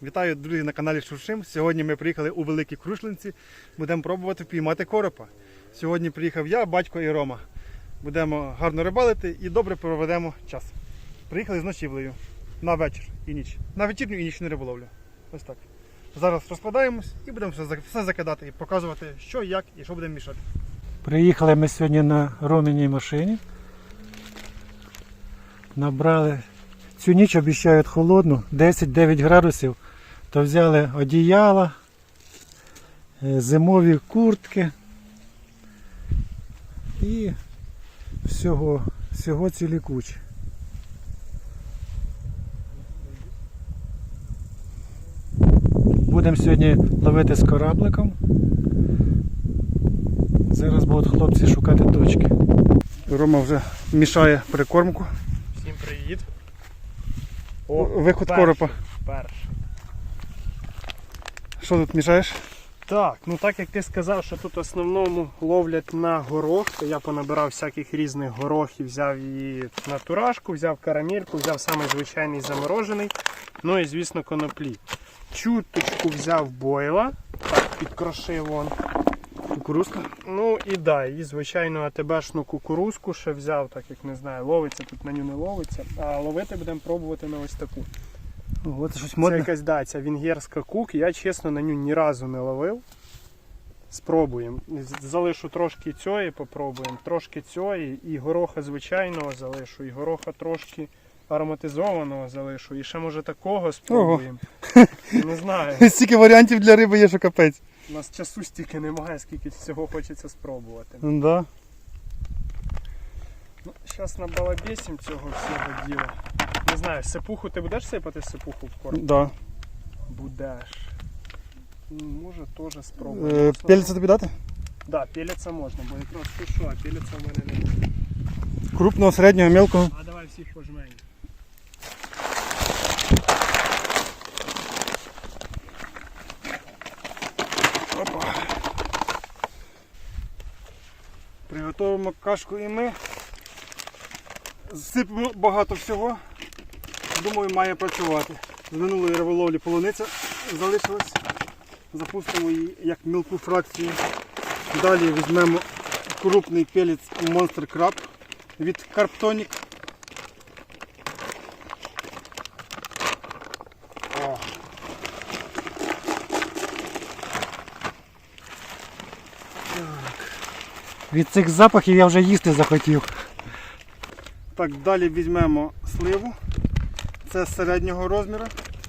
Вітаю, друзі, на каналі Шуршим. Сьогодні ми приїхали у Великі Крушлинці. Будемо пробувати впіймати коропа. Сьогодні приїхав я, батько і Рома. Будемо гарно рибалити і добре проведемо час. Приїхали з ночівлею на вечір і ніч. На вечірню і нічну риболовлю. Ось так. Зараз розкладаємось і будемо все закидати і показувати, що, як і що будемо мішати. Приїхали ми сьогодні на Роміній машині. Набрали, цю ніч обіцяють холодну, 10-9 градусів. То взяли одіяла, зимові куртки і всього цілі кучі. Будемо сьогодні ловити з корабликом. Зараз будуть хлопці шукати точки. Рома вже мішає прикормку. Всім привіт. Виход коропа. Перший. Що тут мішаєш? Так, ну так як ти сказав, що тут в основному ловлять на горох, то я понабирав всяких різних горохів, взяв її на турашку, взяв карамельку, взяв самий звичайний заморожений, ну і звісно коноплі. Чуточку взяв бойла, так підкрошив вон. Кукурузка. Ну і да, і звичайну АТБшну кукурузку ще взяв, так як не знаю, ловиться, тут на ню не ловиться, а ловити будемо пробувати на ось таку. Ого, це щось Це модне. якась, да, ця венгерська кук, я чесно на ню ні разу не ловив. Спробуємо. Залишу трошки цієї, попробуємо, трошки цієї, і гороха звичайного залишу, і гороха трошки ароматизованого залишу, і ще може такого спробуємо. Не знаю, Стільки варіантів для риби є, що капець. у нас часу стільки немає, скільки всього хочеться спробувати. Да. Ну, зараз набалабесім цього всього діла. Не знаю, сипуху ти будеш сипати сипуху в корм? Да. Будеш. Ну, може теж спробуємо. Пельця тобі дати? Да, пелеться можна, бо якраз то що, а пелеться в мене немає. Крупного, середнього, мелкого. А давай всіх пожмемо. Опа. Приготуємо кашку і ми. Сипемо багато всього. Думаю, має працювати. З минулої риболовлі полуниця залишилась. Запустимо її як мілку фракцію. Далі візьмемо крупний пелець Monster Crab від Carptonic. О. Від цих запахів я вже їсти захотів. Так, далі візьмемо сливу. Це середнього розміру.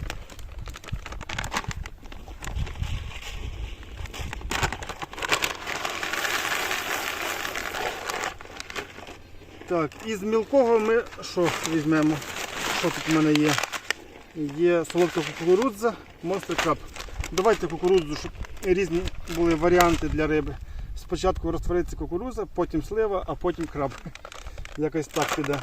Так, із мілкого ми що візьмемо? Що тут в мене є? Є солодка кукурудза, Monster Crab. Давайте кукурудзу, щоб різні були варіанти для риби. Спочатку розтвориться кукурудза, потім слива, а потім краб. Якось так піде.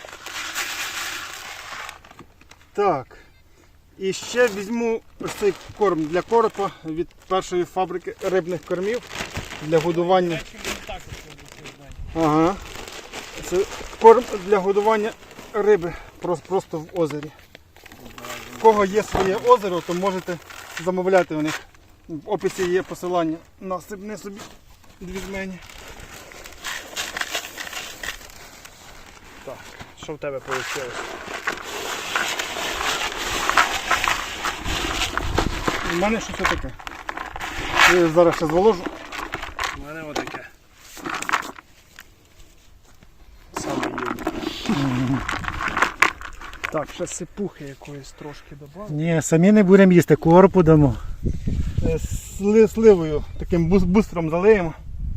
Так. І ще візьму ось цей корм для коропа від першої фабрики рибних кормів для годування. Ага. Це корм для годування риби просто в озері. У кого є своє озеро, то можете замовляти у них. В описі є посилання на сипни собі дві жмені. Так, що в тебе вийшло? У мене щось таке. Я зараз ще зволожу. У мене отаке. Саме є. Так, ще сипухи якоїсь трошки додав. Ні, самі не будемо їсти, коропу дамо. Сливою таким бустером залиємо.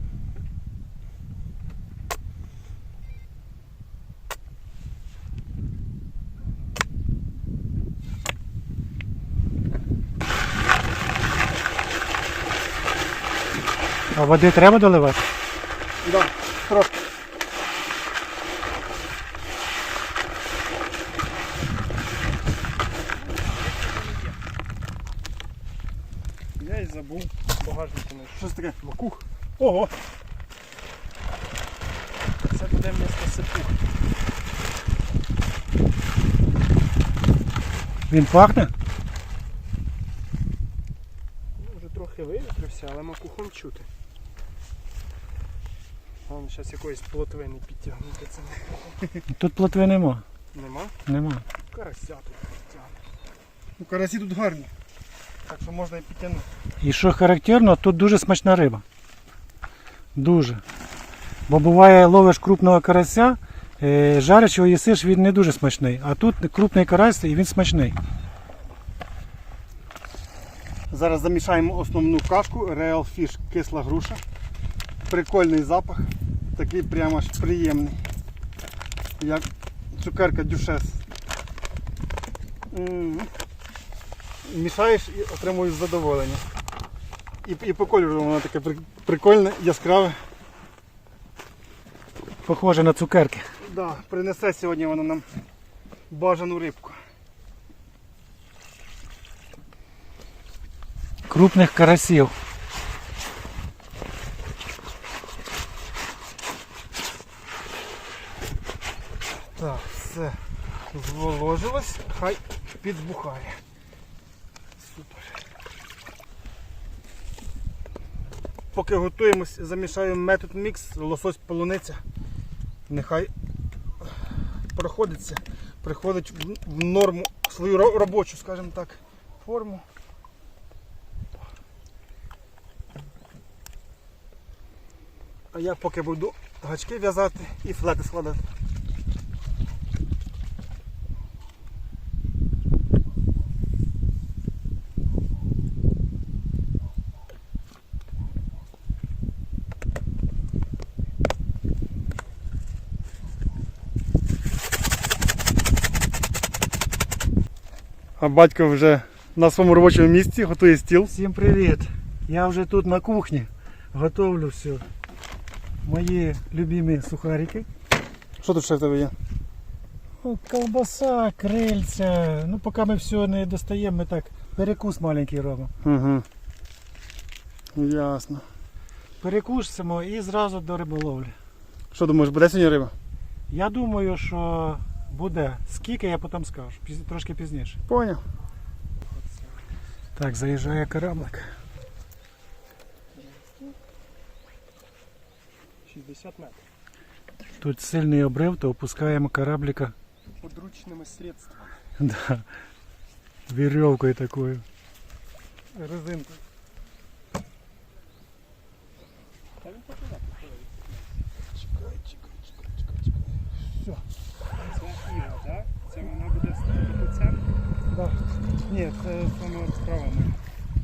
А води треба доливати? Да, трошки. Я і забув багажники знайшов. Щось таке. Макух. Ого! Це буде вмісто сипух. Він пахне? трохи вивітрився, але макухом чути. Вон зараз якоїсь плотвини підтягнути це макухом. Тут плотви нема. Нема? Нема. Карася тут підтягне. Ну, карасі тут гарні. Так що можна і підтягнути. І що характерно, тут дуже смачна риба. Дуже. Бо буває, ловиш крупного карася, жариш його їсиш, він не дуже смачний. А тут крупний карась і він смачний. Зараз замішаємо основну кашку, Real Fish кисла груша. Прикольний запах, такий прямо аж приємний, як цукерка дюшес. Мішаєш і отримуєш задоволення. І по кольору воно таке прикольне, яскраве. Похоже на цукерки. Да, принесе сьогодні воно нам бажану рибку. Крупних карасів. Так, все зволожилось, хай підбухає. Супер. Поки готуємось, замішаємо метод мікс, лосось полуниця. Нехай проходиться, приходить в норму свою робочу, скажімо так, форму. А я поки буду гачки в'язати і флети складати. А батько вже на своєму робочому місці готує стіл. Всім привіт! Я вже тут на кухні готовлю все. Мої любимі сухарики. Що тут ще в тебе є? Ну, колбаса, крильця. Ну, поки ми все не достаємо, ми так перекус маленький робимо. Угу. Ясно. Перекусимо і зразу до риболовлі. Що думаєш, буде сьогодні риба? Я думаю, що буде. Скільки, я потім скажу. Трошки пізніше. Поняв. Так, заїжджає кораблик. 60 метрів. Тут сильний обрив, то опускаємо кораблика. Подручними средствами. Да. Вірьовкою такою. Резинка. Та він попливе. Чекай. Все. Це Іва, так? Це вона буде стояти по центру? Да. Ні, це саме справа моя.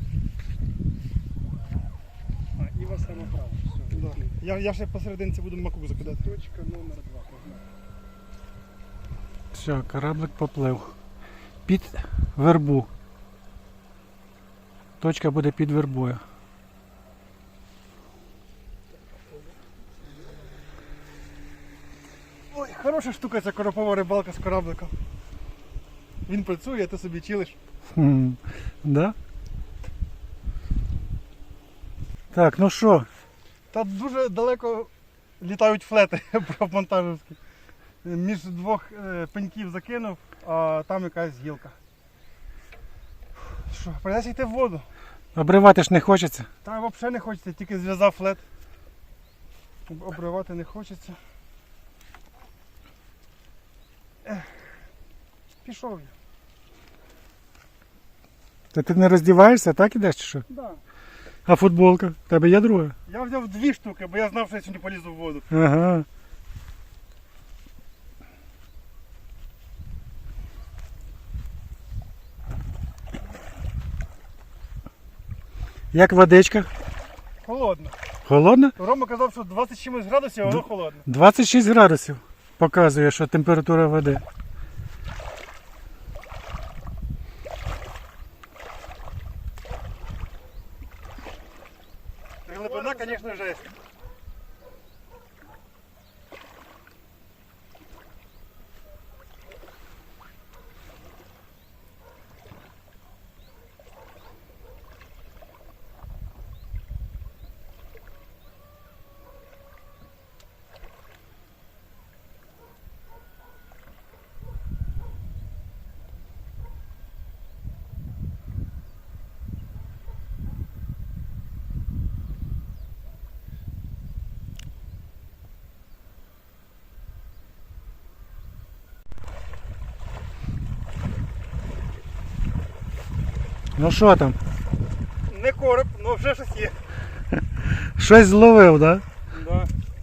А, Іва саме право. Все. Да. Я ще посерединці буду макук закидати. Точка номер 2. Погнали. Все, кораблик поплив. Під вербу. Точка буде під вербою. Ой, хороша штука ця коропова рибалка з корабликом. Він працює, а ти собі чилиш. Да? Так, ну що? Та дуже далеко літають флети монтажівські. Між двох пеньків закинув, а там якась гілка. Що, прийдеться йти в воду. Обривати ж не хочеться. Та взагалі не хочеться, тільки зв'язав флет. Обривати не хочеться. Пішов я. Та ти не роздіваєшся, так ідеш чи що? Да. А футболка? В тебе є друга? Я взяв 2 штуки, бо я знав, що я сьогодні полізу в воду. Ага. Як водичка? Холодно. Холодна? Рома казав, що 20 чимось градусів, а воно холодно. 26 градусів показує, що температура води. Глибина, звісно, жесть. Ну що там? Не короб, але вже щось є. Щось зловив, так? Да.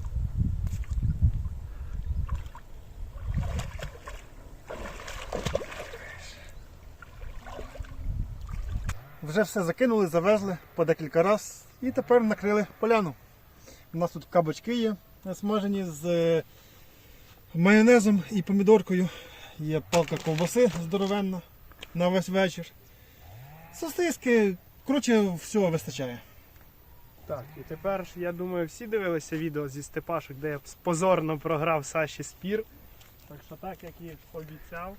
Вже все закинули, завезли по декілька разів і тепер накрили поляну. У нас тут кабачки є смажені з майонезом і помідоркою. Є палка ковбаси здоровенна на весь вечір. Сосиски, коротше, всього вистачає. Так, і тепер, я думаю, всі дивилися відео зі Степашок, де я позорно програв Саші спір. Так що так, як і обіцяв.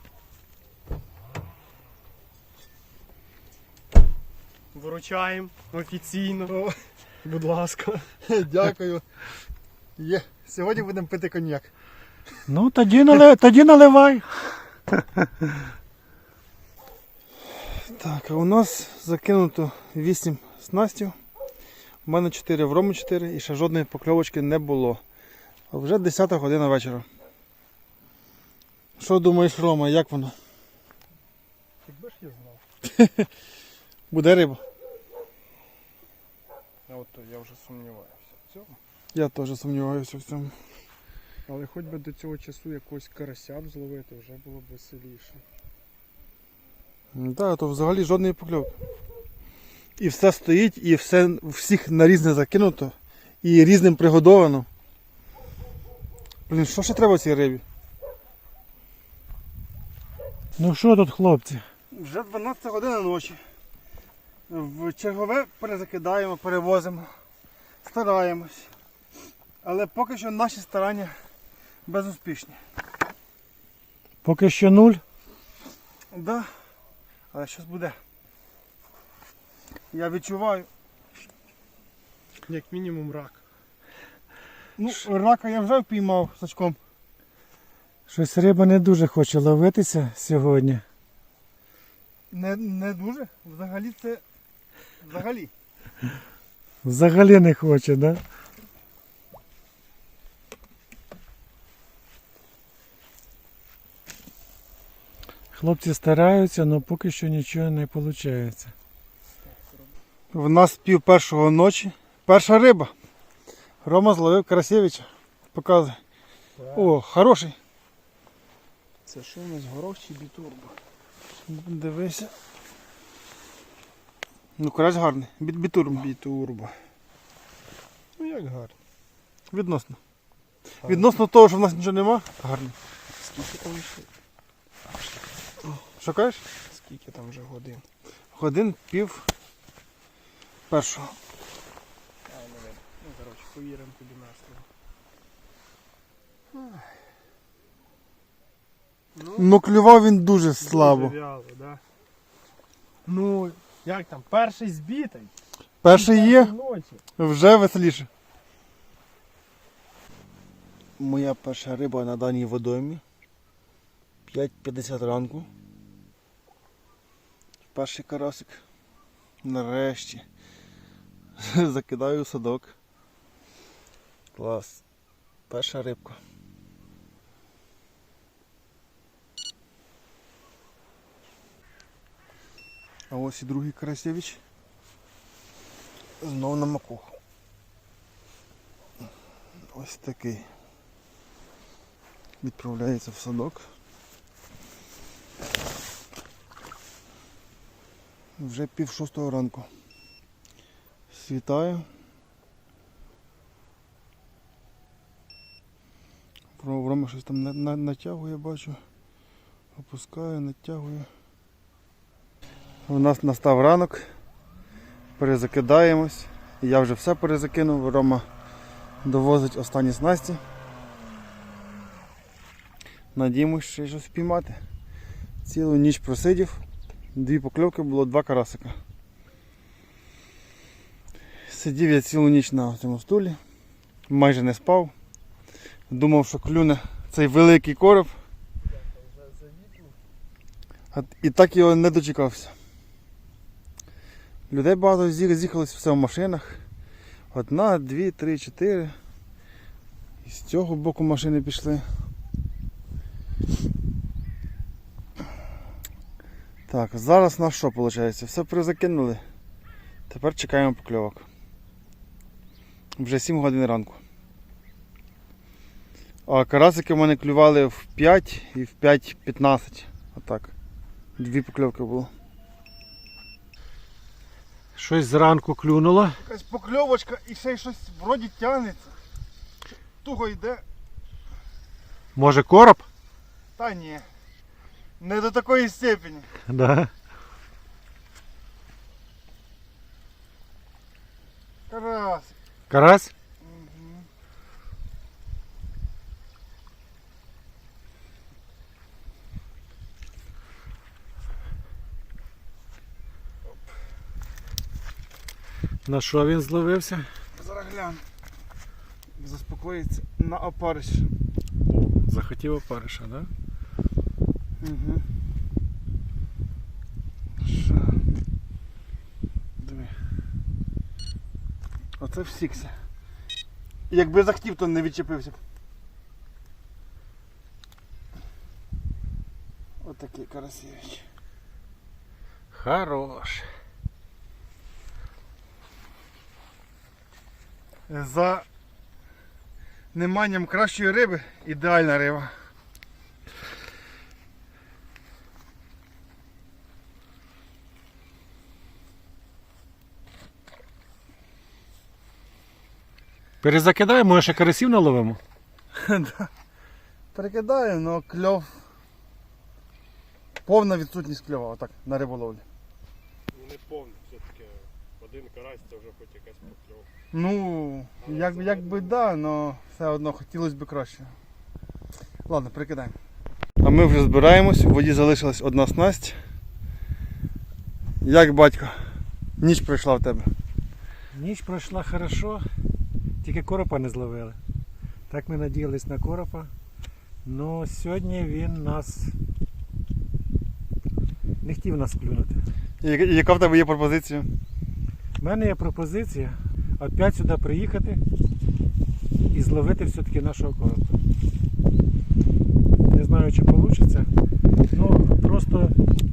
Вручаємо офіційно. О, Будь ласка. дякую. Є. Сьогодні будемо пити коньяк. Ну тоді наливай. Так, а у нас закинуто 8 снастів. У мене 4, в Роми 4 і ще жодної покльовочки не було. А вже 10 година вечора. Що думаєш, Рома, як воно? Якби ж я знав. Буде риба? А от то я вже сумніваюся в цьому. Я теж сумніваюся в цьому. Але хоч би до цього часу якогось карася б зловити, вже було б веселіше. Так, то взагалі жодної покльовки. І все стоїть, і все всіх на різне закинуто, і різним пригодовано. Блін, що ще треба цій рибі? Ну що тут, хлопці? Вже 12 година ночі. В чергове перезакидаємо, перевозимо, стараємось. Але поки що наші старання безуспішні. Поки що 0. Да, але щось буде. Я відчуваю. Як мінімум рак. Ну, рака я вже впіймав сачком. Щось риба не дуже хоче ловитися сьогодні. Не дуже. Взагалі це. Взагалі. Взагалі не хоче, так? Да? Хлопці стараються, але поки що нічого не виходить. В нас 1:30 ночі. Перша риба. Рома зловив Карасєвича. Показує. О, хороший. Це що у нас, горох чи бітурбо? Дивися. Ну, карась гарний. Бітурма. Бітурбо. Ну як гарно. Відносно. Відносно того, що в нас нічого нема, гарний. Скільки там ще? Що кажеш? Скільки там вже годин? Годин 1:30. А, не видно. Ну, коротше, повіримо тобі на слово. Ну, клював він дуже слабо. Дуже вяло, да? Ну, як там, перший збитий? Перший є, Ночі. вже веселіше. Моя перша риба на даній водоймі. 5:50 ранку. Перший карасик. Нарешті. Закидаю в садок. Клас. Перша рибка. А ось і другий Карасєвич. Знов на макуху. Ось такий. Відправляється в садок. Вже 5:30 ранку. Світає. Рома щось там натягує, бачу. Опускає, натягує. У нас настав ранок. Перезакидаємось. Я вже все перезакинув. Рома довозить останні снасті. Надіємось, ще щось впіймати. Цілу ніч просидів. 2 покльовки було, 2 карасика. Сидів я цілу ніч на цьому стулі. Майже не спав. Думав, що клюне цей великий короб. І так його не дочекався. Людей багато з'їхалось все в машинах. 1, 2, 3, 4. І з цього боку машини пішли. Так, зараз на що виходить? Все призакинули. Тепер чекаємо покльовок. Вже 7 годин ранку. А карасики в мене клювали в 5 і в 5:15. Отак. 2 покльовки було. Щось зранку клюнуло. Якась покльовочка і ще й щось вроді тягнеться. Туго йде. Може короб? Та ні. Не до такої степені. Да. Карась. Карась? На що він зловився? Зараз гляну. Заспокоїться на опариш. О, захотів опариша, так? Да? Угу. Що? Диви. Оце всікся. Якби захотів, то не відчепився б. Отакий Карасєвич. Хорош. За неманням кращої риби ідеальна риба. Перезакидаємо, може ще карасів наловимо? Да. Перекидаю, але кльов. Повна відсутність кльова, отак, на риболовлі. Не повний, все-таки один карась це вже хоч якась покльовка. Ну, якби да, але все одно хотілося б краще. Ладно, перекидаємо. А ми вже збираємось, у воді залишилась одна снасть. Як, батько, ніч пройшла в тебе? Ніч пройшла хорошо, тільки коропа не зловили. Так ми надіялись на коропа. Ну сьогодні він нас не хотів нас клюнути. І яка в тебе є пропозиція? У мене є пропозиція опять сюди приїхати і зловити все-таки нашого коропа. Не знаю, чи вийде. Ну, просто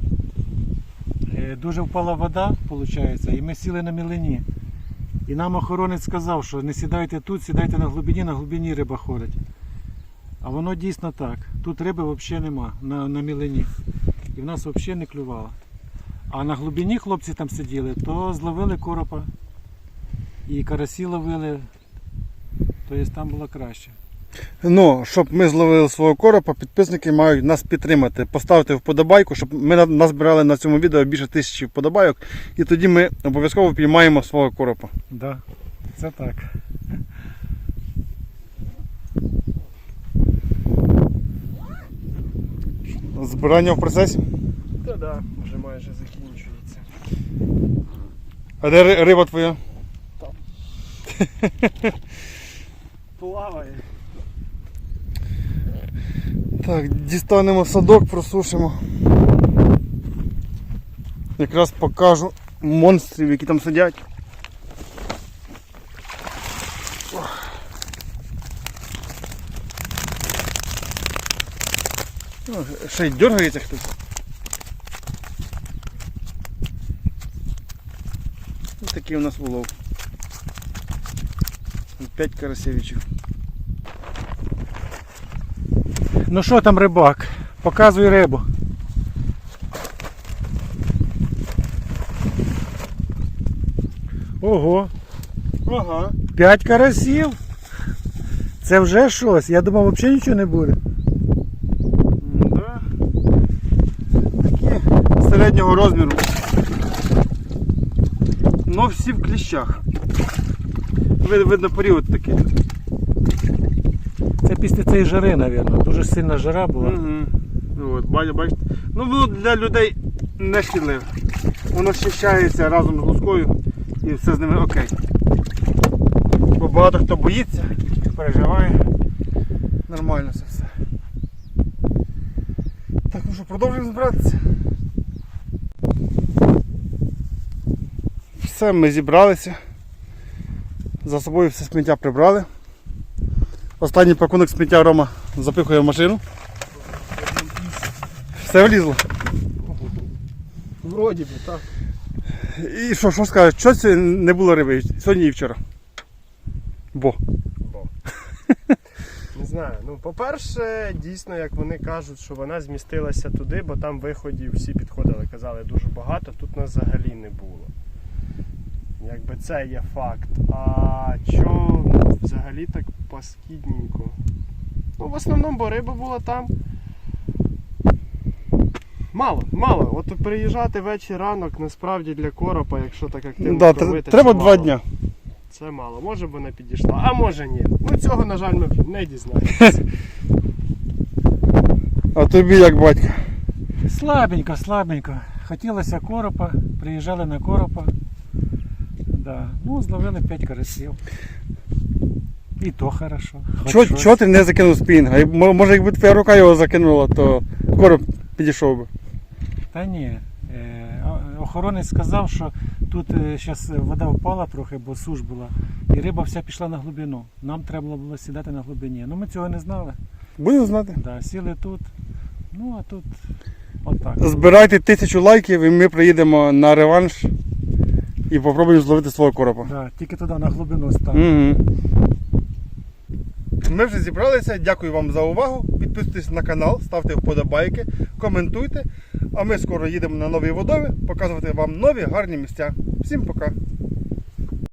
дуже впала вода, виходить, і ми сіли на мілині. І нам охоронець сказав, що не сідайте тут, сідайте на глибині риба ходить. А воно дійсно так. Тут риби взагалі нема на мілині. І в нас взагалі не клювало. А на глибині хлопці там сиділи, то зловили коропа. І карасі ловили, тобто там було краще. Ну, щоб ми зловили свого коропа, підписники мають нас підтримати. Поставити вподобайку, щоб ми назбирали на цьому відео більше 1000 вподобайок. І тоді ми обов'язково піймаємо свого коропа. Да, це так. Збирання в процесі. Та да, вже майже закінчується. А де риба твоя? Плаває. Так, дістанемо садок, просушимо. Якраз покажу монстрів, які там сидять. Ще й дергається хтось. Ось такий у нас улов. 5 карасевичів. Ну що там, рибак? Показуй рибу. Ого, Ага. 5 карасів. Це вже щось. Я думав, взагалі нічого не буде. Да. Такі середнього розміру. Ну всі в кліщах. Видно період такий. Це після цієї жари, мабуть. Дуже сильна жара була. Угу. От, бачите. Ну воно для людей не шкідливе. Воно щищається разом з лускою і все з ними окей. Бо багато хто боїться, переживає. Нормально це все. Так, ну що, продовжуємо збиратися. Все, ми зібралися. За собою все сміття прибрали. Останній пакунок сміття Рома запихує в машину. Все влізло. Вроді би, так. І що скажеш, щось не було риби сьогодні і вчора? Бо. Не знаю. Ну, по-перше, дійсно, як вони кажуть, що вона змістилася туди, бо там виходів всі підходили, казали дуже багато, тут нас взагалі не було. Якби це є факт. А що взагалі так паскідненько? Ну, в основному, бо риба була там. Мало. От приїжджати вечір ранок, насправді для коропа, якщо так активно Да, кормити, треба це 2 мало. дня. Це мало. Може б вона підійшла, а може ні. Ну цього, на жаль, ми не дізнаємося. А тобі як батько? Слабенько. Хотілося коропа, приїжджали на коропа. Да. Ну, зловили 5 карасів. І то хорошо. Хоч щось. Чого ти не закинув спінга? Може, якби твоя рука його закинула, то короб підійшов би. Та ні. Охоронець сказав, що тут зараз вода впала трохи, бо суш була, і риба вся пішла на глибину. Нам треба було сідати на глибині. Ну ми цього не знали. Будемо знати. Да, сіли тут. Ну а тут отак. Збирайте 1000 лайків і ми приїдемо на реванш і попробуємо зловити свого коропа. Да, тільки туди на глибину став. Угу. Ми вже зібралися. Дякую вам за увагу. Підписуйтесь на канал, ставте вподобайки, коментуйте. А ми скоро їдемо на нові водойми показувати вам нові гарні місця. Всім пока!